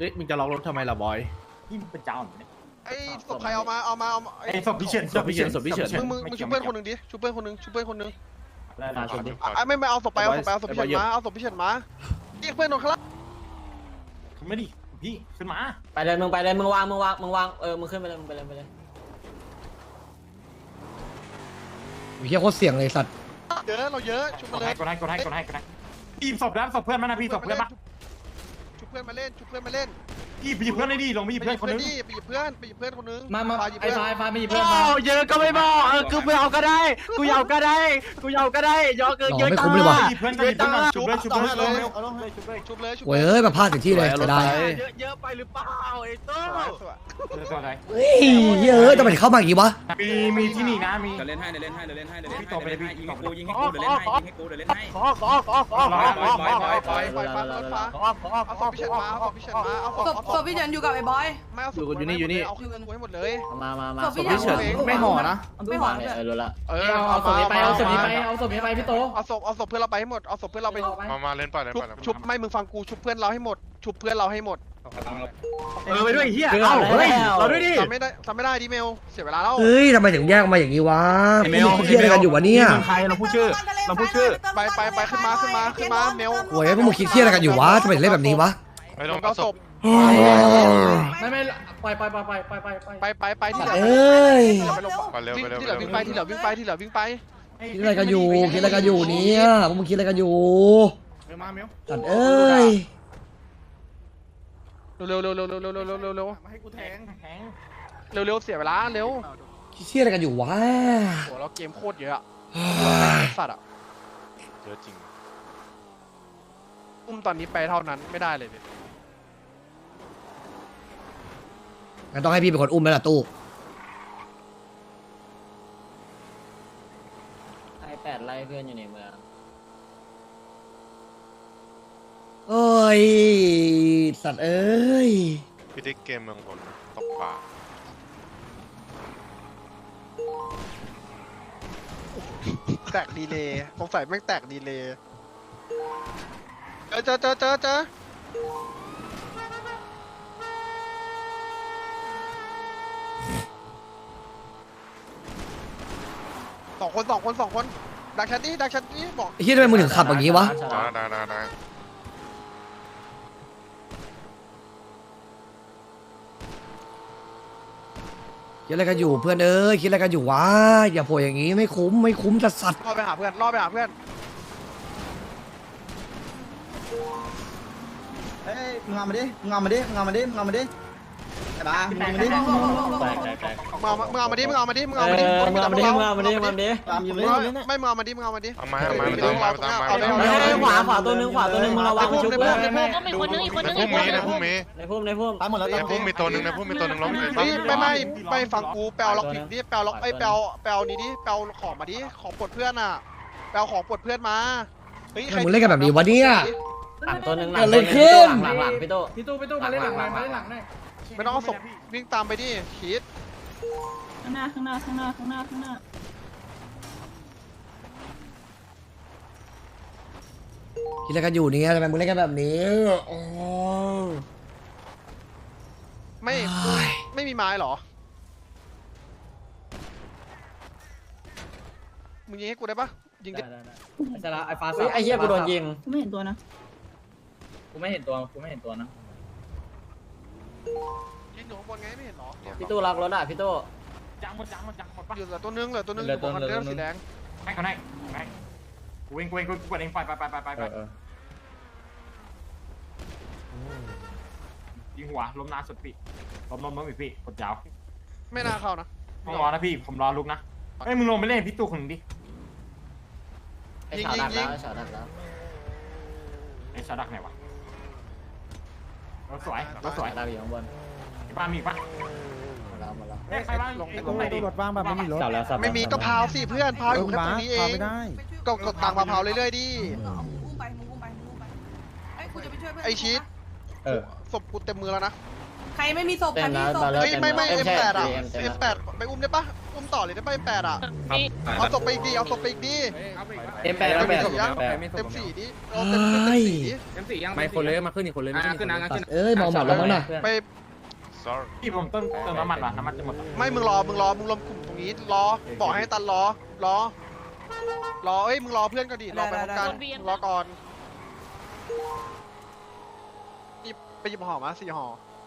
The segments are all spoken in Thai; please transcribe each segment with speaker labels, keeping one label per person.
Speaker 1: ฮ้ยมึงจะล็อกรถทำไมล่ะบอย
Speaker 2: ที่เป็นเจ้าเนี่ย
Speaker 3: ไอ้ศพใครเอามา
Speaker 2: ไอ้ศพพิเชษศพพิเชษ
Speaker 3: มึงชุบเพื่อนคนหนึ่งดิชุบเพื่อนคนหนึ่ง
Speaker 2: มาชนดิ
Speaker 3: ไม่เอาศพไปเอาศพพิเชษมาเอาศพพิเชษมาเรียกเพื่อนโดนข้างล่าง
Speaker 2: ขึ้นมาดิพี่ขึ้นมา
Speaker 4: ไปเลยมึงไปเลยมึงวางมึงขึ้นไปเลยมึงไปเลย
Speaker 5: เฮียโคตรเสี่ยงเลยสัตว์
Speaker 3: เยอะเราเยอะชุบ
Speaker 2: ก
Speaker 3: มา
Speaker 2: ด
Speaker 3: เลย
Speaker 2: ให้พี่ศพแล้วศพเพื่อนมานะพี่ศพเพื่อนมา
Speaker 3: ชุบเพื่อนมาเล่นชุบเพื่อนมาเล่น
Speaker 2: พี่ไปหยิบเพื่อนเลยดิลงไปหยิบเพื่อนคนนึง
Speaker 3: ไปหยิบเพื่อนคนนึง
Speaker 4: มาไอ้ฟ้าไม่หยิบ
Speaker 1: โอ้
Speaker 4: เพื่อนมา
Speaker 1: เยอะก็ไม่บอกกูไม่เอาก็ได้กูเอาก็ได้ยอเกินเยอะ
Speaker 5: ไม่คุ้มเลยว่ะ
Speaker 2: หยิบเพื่อนก็หยิบเพื่อนชุบเลย
Speaker 3: ชุบเลย
Speaker 5: โว้ยเอ้ยมาพลาดถึงที่เลยจะได้
Speaker 1: เยอะไปหรือเปล่าไอ้ตู้
Speaker 2: ตัวอะไร
Speaker 5: เฮ้ยเฮ้ยทำไมถึงเข้ามาอย่างงี้วะ
Speaker 2: มีที่นี่นะมี
Speaker 6: เดี๋ยวเล่นให้ยิงให้กูยิงให้กูเดี๋ยวเล่นให้
Speaker 1: ขอ
Speaker 3: ไปเอาศพพิเชษมาเอาศพพิเชษมาเอาศพ
Speaker 7: พี่เฉินอยู่กับไอ้บอย
Speaker 3: ไม่เอาศพเอาคืนกูให้หมดเลย
Speaker 4: มา
Speaker 1: พี่เฉินไม่ห่อนะ
Speaker 7: ไม่หวังเลย
Speaker 4: รู้ละ
Speaker 3: เอาศพนี้ไป
Speaker 4: เอาศพนี้ไปพี่โต
Speaker 3: เอาศพเพื่อนเราไปให้หมดเอาศพเพื่อนเราไป
Speaker 8: มาเล่นป่ะ
Speaker 3: ชุบไม่มึงฟังกูชุบเพื่อนเราให้หมดชุบเพื่อนเราให้หมด
Speaker 1: ไปด้วยเฮียเอ้าเฮ้ยเราด้วยดิ
Speaker 3: ทำไม่ได้ดิเมลเสียเวลาแล้ว
Speaker 5: เฮ้ยทำไมถึงแยกมาอย่างงี้วะเฮียอะไรกันอยู่วะเนี่ย
Speaker 1: ใครเราพูดชื่อ
Speaker 3: ไปขึ้นมาเมล
Speaker 5: โว้ยพวกมึงคิดเฮียอะไรกันอยู่วะทำไมถึงเล่นแบบนี้วะ
Speaker 8: ไม่ต้
Speaker 3: มึ
Speaker 8: อง
Speaker 3: งเอาศพ
Speaker 4: ไม่ไป
Speaker 3: ไปที่เหลือ
Speaker 5: เอ้ย
Speaker 8: มาเร็ว
Speaker 3: ที่เหลือวิ่งไป
Speaker 5: คิดอะไรกันอยู่เนี่ยพวกมึงคิดอะไรกันอยู่
Speaker 2: มาเมียว
Speaker 5: สัตว์เอ้ย
Speaker 3: เร็ว
Speaker 2: มาให้กูแทง
Speaker 3: เสียเวลาเร็ว
Speaker 5: คิดเฮียอะไรกันอยู่วะ
Speaker 3: โหเราเกมโคตรเยอะสัตว์อ่ะ
Speaker 8: เยอะจริง
Speaker 3: ตอนนี้ไปเท่านั้นไม่ได้เลย
Speaker 5: งั้นต้องให้พี่เป็นคนอุ้มแล้วล่ะตู้
Speaker 4: ไอ้8ไล่เพื่อนอยู่ในเมือง
Speaker 5: เอ้ยสัตว์เอ้ย
Speaker 8: พี่ได้เกมเมืองบนตกปลา
Speaker 3: แตกดีเลยสงสัยแม่งแตกดีเลยเจอสองคนดักชัดนี่บอก
Speaker 5: ไอ้เฮียทำไมมึงถึงขับอย่างงี้วะ
Speaker 8: ได้
Speaker 5: คิดอะไรกันอยู่เพื่อนเอ้ยคิดอะไรกันอยู่วะอย่าโผล่อย่างงี้ไม่คุ้มจัดสัตว์
Speaker 3: ล่อไปหาเพื่อน
Speaker 9: เฮ้ยมึงเอามาดิไอ้บ้ามึงเอามาดิ
Speaker 3: มึงเอามาดิไม่มึงเอามาดิ
Speaker 8: เอามาไม่ต้อง
Speaker 4: ขวาตัวนึงมึงระวังชุบเลย
Speaker 7: ก็มีคนนึงอีกคนนึง
Speaker 8: พุ่มมีนะพุ่มมี
Speaker 4: ในพุ่ม
Speaker 9: ตายหมดแล้ว
Speaker 8: ในพุ่มมีตัวหนึ่งล้ม
Speaker 3: ไม่ฟังกูแปลล็อกผิดดิแปลล็อกไอ้แปลนี้ดิแปลของมาดิของปลดเพื่อนอ่ะแปลของปลดเพื่อนมาเฮ้ย
Speaker 5: มึงเล่นกันแบบนี้วะเนี่ย
Speaker 4: หลังตัวนึง
Speaker 5: เกิดอะไรขึ้น
Speaker 4: หลังพี่โตมาเล่นหลังหน่อย
Speaker 3: ไม่ต้องเอาศพวิ่งตามไปดิคิด
Speaker 7: ข้างหน้า
Speaker 5: คิดอะไรกันอยู่เนี่ยทำไมมึงเล่นกันแบบนี้อ๋อ
Speaker 3: ไม่มีไม้หรอมึงยิงให้กูได้ปะยิงดิ
Speaker 4: ไอ้ฟ้าไอ้เหี้ยกูโดนยิง
Speaker 7: กูไม่เห็นตัวนะ
Speaker 4: กูไม่เห็นตัวนะ
Speaker 3: ยิงอยู่ข้างบนไงไม่เห็นหรอ
Speaker 4: พี่ตู้ล็อกรถอ่ะพี่ตู้
Speaker 2: จังหมดปะ
Speaker 3: อยู่เหลือตัวนึงอยู่บนคันเรื่องสีแดง
Speaker 2: ให้เขาให้กูเองกดเองไปยิงหัวล้มนานสุดพี่ล้มอีกพี่กดยาว
Speaker 3: ไม่น่าเข้านะ
Speaker 2: ต้องรอนะพี่ผมรอลุกนะเอ้ยมึงลงไปเล่นพี่ตู้คนนึงดิ
Speaker 4: ไอ้ฉาดักแล้ว
Speaker 2: ไอ้ชาดักไหนวะรถสวย
Speaker 4: ดักอยู่ข้างบน
Speaker 2: บ้านมีปะ
Speaker 4: มาแล้ว
Speaker 2: ใครบ้านตรงไหนดิ
Speaker 9: รถว่างแบบไม่มีรถ
Speaker 3: ไม่มีก็พาวสิเพื่อนพาวอยู่แค่ตรงนี้เอง
Speaker 9: ไม่ได้
Speaker 3: ก็กดตังค์มาพาวเรื่อยๆดิ
Speaker 7: มึงอุ้มไปไอ้กูจะไปช่วยเพื่อน
Speaker 3: ไอชีตศพกูเต็มมือแล้วนะ
Speaker 7: ใครไม่มีศพใครมีศพ
Speaker 3: เฮ้ยไม่ F8 อ่ะ F8 ไปอุ้มได้ปะอุ้มต่อเลยได้ปะ8อ่ะเอาศพไปอีกดีเอาศพไปอีกดี
Speaker 4: เอ็มแปดแล้วแปด
Speaker 3: เต็ม4ดิเอาเต็ม4ดิ
Speaker 2: M4ยัง
Speaker 6: ไม่คนเลยมาขึ้นอีกคนเลย
Speaker 2: ขึ้นนะขึ้น
Speaker 5: เอ้ยมองหมัดแล้วมั้งน่ะ
Speaker 3: ไป
Speaker 8: sorry
Speaker 2: พี่ผมเติมน้ำมันว่ะน้ำมันจะหมด
Speaker 3: ไม่มึงรวมกลุ่มตรงนี้รอบอกให้ตันรอเอ้ยมึงรอเพื่อนก็ดิรอไปพร้อมกันรอก่อนนี่ไปหยิบห่อมา4ห่อ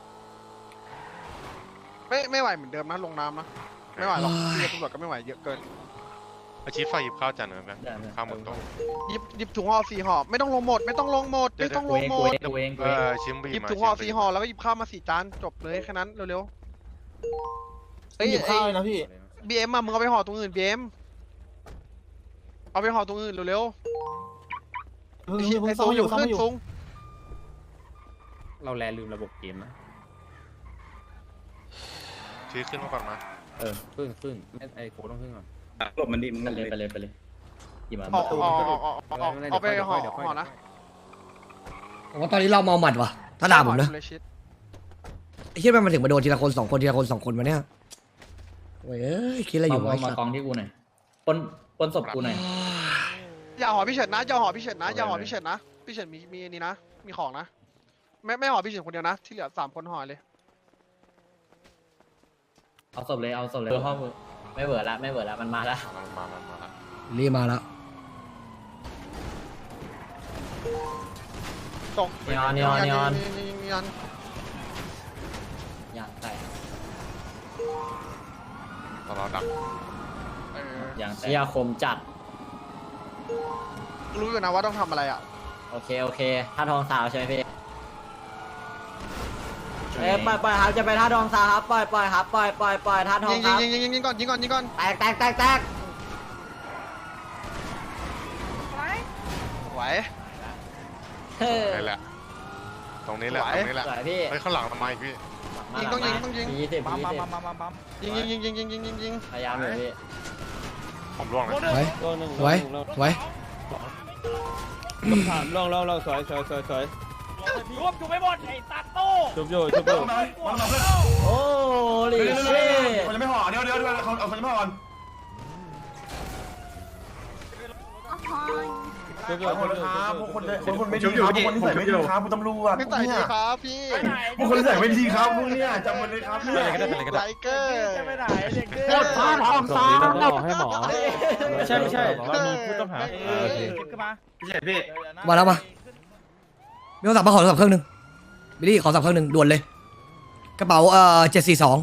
Speaker 3: ไม่ไหวเหมือนเดิมนะลงน้ำนะไม่ไหวหรอกที่ตำรวจก็ไม่ไหวเยอะเกิน
Speaker 8: อาชีพฝ่ายหยิบข้าวจานหนึ่งไหมข้าวหมดตัว
Speaker 3: หยิบถุงห่อ4ห่อไม่ต้องลงหมดไม่ต้องลงหมด
Speaker 4: ตัวเอง
Speaker 8: ชิมบี
Speaker 3: หยิบ
Speaker 8: มา
Speaker 3: ถุงห่อ4ห่อแล้วก็หยิบข้าวมา4จานจบเลยแค่นั้นเร็วๆเฮ้ย
Speaker 9: หยิบข้าวเลยนะพี่
Speaker 3: BM มึงเอาไปห่อตรงอื่น BM เอาไปห่อตรงอื่นเร็วๆไอ้ซุงอยู่ขึ้นซุง
Speaker 6: เราแลลืมระบบเกมนะ
Speaker 8: ชี้ขึ้นมาก่อนมา
Speaker 6: ขึ้นไม่ไอโค้ดต้องขึ้นก่อน
Speaker 4: หลบมันดิมึงไปเลยหยิบมา
Speaker 3: เอาไปห่อนะ
Speaker 5: ผมว่าตอนนี้เราเมาหมัดว่ะถ้าด่าผมนะไอ้เหี้ยมันถึงมาโดนทีละคน2 คนทีละคน2 คนมาเนี่ยโอ้ยเอ้ยคิดอะไรอยู่วะ
Speaker 4: มากองที่กูหน่อยปนศพกูหน่อย
Speaker 3: อย่าห่อพี่เฉินนะอย่าห่อพี่เฉินนะพี่เฉินมีนี่นะมีของนะไม่ห่อพี่เฉินคนเดียวนะที่เหลือ3 คนห่อเลย
Speaker 4: เอาศพเลยห้องไม่เบื่อละมันมาละ
Speaker 8: มาละ
Speaker 5: รีบมาแล้ว
Speaker 3: ส่ง
Speaker 4: นีออนยางแตก
Speaker 8: ตลอดดัก
Speaker 4: ยางแตกยาคมจัด
Speaker 3: รู้อยู่นะว่าต้องทำอะไรอ่ะ
Speaker 4: โอเคท่าทองสาวใช่ไหมพี่ปล่อยครับจะไปท่าทองสาวครับปล่อยครับปล่อยท่าทองครับ
Speaker 3: ยิงก่อน
Speaker 4: แตก
Speaker 3: ไหว
Speaker 8: นี่แหละตรงนี้แหละ
Speaker 4: สวยพี่
Speaker 8: เฮ้ยข้างหลังทำไมพี่
Speaker 3: ต้องยิง
Speaker 4: 20
Speaker 3: ยิง
Speaker 4: พยายามเลยพี่
Speaker 8: ผมร่วงเลย
Speaker 5: ไว้ไว้
Speaker 9: ลองสวยรวบอยู่ไม่หมดไอ้ตัดโต้ชุบอยู่
Speaker 4: โอ้ลิเช่
Speaker 9: คนจะไม่ห่อเดี๋ยวเขาเอาคนจะไม่ห่อก่อน ขอโทษนะครับพวกคนไม่ดีครับพวกคนที่ใส่ไม่ดีครับคุณตำรวจ
Speaker 3: ไม่ใส่ดีครับพี่
Speaker 9: พวกคนที่ใส่ไม่ดีครับพวกเนี้ยจำไว้เลยครับเนี่ย
Speaker 3: ไลเกอร์
Speaker 9: จะไปไหนเด็กเกอ
Speaker 1: โคตรพลาดทองซ้ำ
Speaker 9: ให้หมอไม่ใช่เรามีผู้ต้องหาขึ้นมาพี่
Speaker 5: มาแล้วมามีโทรศัพท์มาขอโทรศัพท์เครื่องนึงบิลลี่ขอโทรศัพท์เครื่องนึงด่วนเลยกระเป๋า742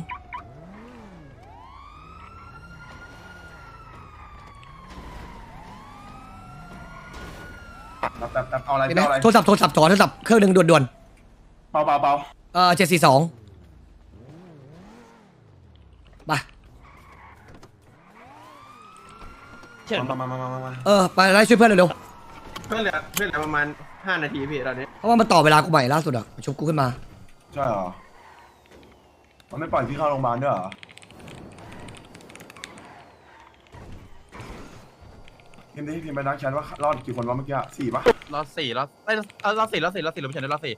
Speaker 9: เอาอะไร
Speaker 5: มีไหมโทรศัพท์เครื่องนึงด่วน
Speaker 9: เบา
Speaker 5: 742ไป
Speaker 9: มา
Speaker 5: ไปไล่ช่วยเพื่อนเร็ว
Speaker 9: เพื่อนเหลือประมาณ5 นาทีพี่ตอนนี้
Speaker 5: ๆเพราะว่ามันต่อเวลากูใหม่ล่าสุดอ่ะชุบกูขึ้นมา
Speaker 9: ใช่เหรอมันไม่ปล่อยพี่เข้าโรงพยาบาลด้วยเหรอพิมพ์ไปนักแชทว่ารอดกี่คนวะเมื่อกี้4ปะ
Speaker 6: รอบ4รอบไม่รอบ4เราไม่ใช่รอบ4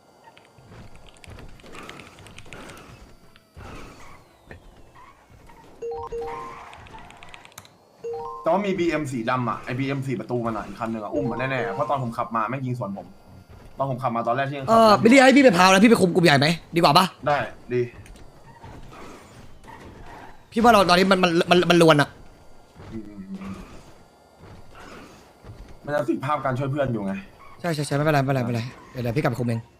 Speaker 9: แต่ว่ามี BM สีดำอ่ะไอ BM 4 ประตูมันอ่ะอีกคันหนึ่งอ่ะอุ้มมันแน่ๆเพราะตอนผมขับมาแม่งยิงสวนผมตอนผมขับมาตอนแรกที่ยังขับ
Speaker 5: บิลลี่ให้พี่ไปพาวแล้วพี่ไปคุมกลุ่มใหญ่ไหมดีกว่าปะ
Speaker 9: ได้ดี
Speaker 5: พี่ว่าเราตอนนี้มันลวนอ่ะ
Speaker 9: อืมมันจะติดภาพการช่วยเพื่อนอยู่ไง
Speaker 5: ใช่ไม่เป็นไรเดี๋ยวพี่กลับไปคุมเอง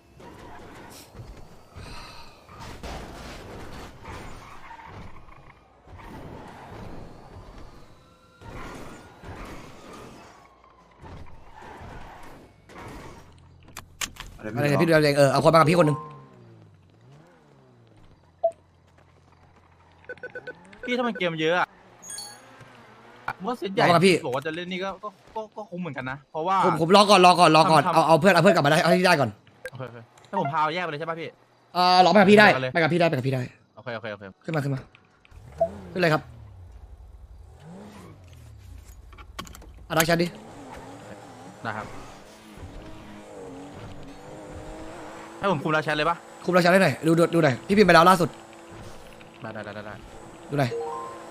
Speaker 5: อะไรเนี่ยพี่ดูแลเองเอาคนมากับพี่คนนึง
Speaker 6: พี่ถ้ามันเกมเยอะอะว่าเซตใหญ่บอกว่าจะเล่นนี่ก็คุ้มเหมือนกันนะเพราะว่า
Speaker 5: ผมรอก่อนเอาเพื่อนกลับมาได้เอาที่ได้ก่อน
Speaker 6: ถ้าผมพาวแยกไปเลยใช่ป่ะพี่
Speaker 5: รอไปกับพี่ได้ไปกับพี่ได้
Speaker 6: โอเค
Speaker 5: ขึ้นมาขึ้นเลยครับรักฉันดิ
Speaker 6: นะครับให้ผมคุมแล้วแชทเลยป่ะ
Speaker 5: คุมรักฉันได้หน่อยดูหน่อยพี่พิมพ์ไปแล้วล่าสุด
Speaker 6: ได้
Speaker 5: ดูหน่อย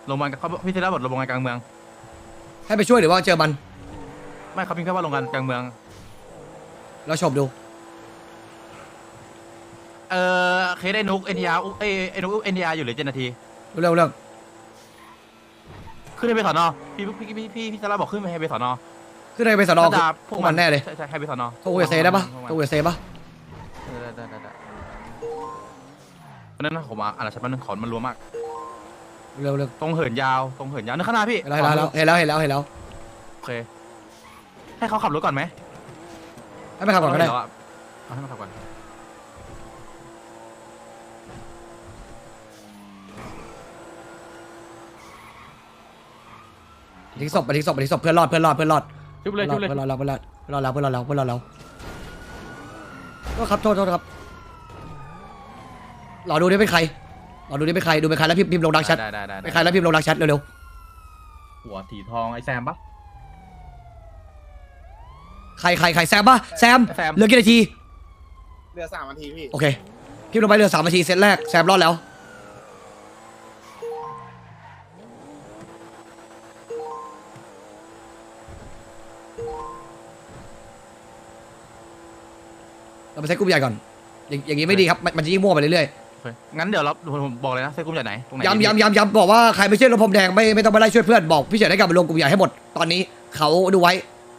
Speaker 6: โรงพยาบาลเขาพี่เซล่าบอกโรงพยาบาลกลางเมือง
Speaker 5: ให้ไปช่วยหรือว่าเจอมัน
Speaker 6: ไม่เขาพิมพ์แค่ว่าโรงพยาบาลกลางเมือง
Speaker 5: เราชมดู
Speaker 6: เคสไอ้นุกเอ็นทีอาร์ไอ้นุกเอ็นทีอาร์อยู่เหลือ7 นาที
Speaker 5: เรื่อง
Speaker 6: ขึ้นไปสอนอพี่เซล่าบอกขึ้นไปสอนอ
Speaker 5: ขึ้นไปสนอ
Speaker 6: พวก
Speaker 5: มันแน่เลย
Speaker 6: ใช่ให้ไปสอนอ
Speaker 5: โทรคุยกับเซได้ปะโทรคุยกับเซปะ
Speaker 6: ได้เพราะนั้นผมอ่านชัดมันขอนมันรัวมาก
Speaker 5: เรื่อง
Speaker 6: ตรงเหินยาวนึกข้างหน้าพี่
Speaker 5: เห็นแล้ว
Speaker 6: โอเคให้เขาขับรถก่อนไหม
Speaker 5: ให้ไปขับก่อนก็ได้
Speaker 6: เอาให้มาขับก่อน
Speaker 5: ทิ้งศพเพื่อนรอด
Speaker 6: ชุบเลย
Speaker 5: เพื่อนรอดแล้วก็ครับโทษครับรอดูนี่เป็นใครดูเป็นใครแล้วพิมพ์ลงดักแชท
Speaker 6: ได้
Speaker 5: เป็นใครแล้วพิมพ์ลงดักแชทเร็ว
Speaker 6: หัวสีทองไอ้แซมปะ
Speaker 5: ๆใครแซมปะแซมเหลือกี่นาที
Speaker 8: เหลือ3 นาทีพี่
Speaker 5: โอเคพิมพ์ลงไปเหลือ3 นาทีเซตแรกแซมรอดแล้วเราไปเซตกลุ่มใหญ่ก่อนอย่างนี้ไม่ดีครับมันจะยิ่งมั่วไปเรื่อยๆ
Speaker 6: โอเคงั้นเดี๋ยวผมบอกเลยนะเซตกลุ่มจากไหนตรงไหน
Speaker 5: ย้ำบอกว่าใครไม่เชื่อรถพรมแดงไม่ต้องไปไล่ช่วยเพื่อนบอกพี่เฉินให้กลับมาลงกลุ่มใหญ่ให้หมดตอนนี้เขาดูไว้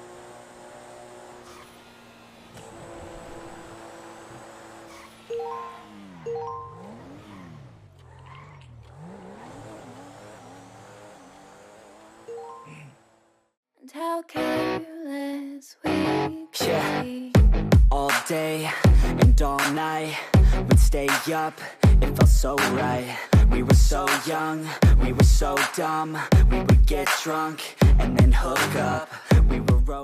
Speaker 10: How careless we could
Speaker 11: Yeah.
Speaker 10: be.
Speaker 11: All day and all night, we'd stay up, it felt so right. We were so young, we were so dumb. We would get drunk and then hook up. We were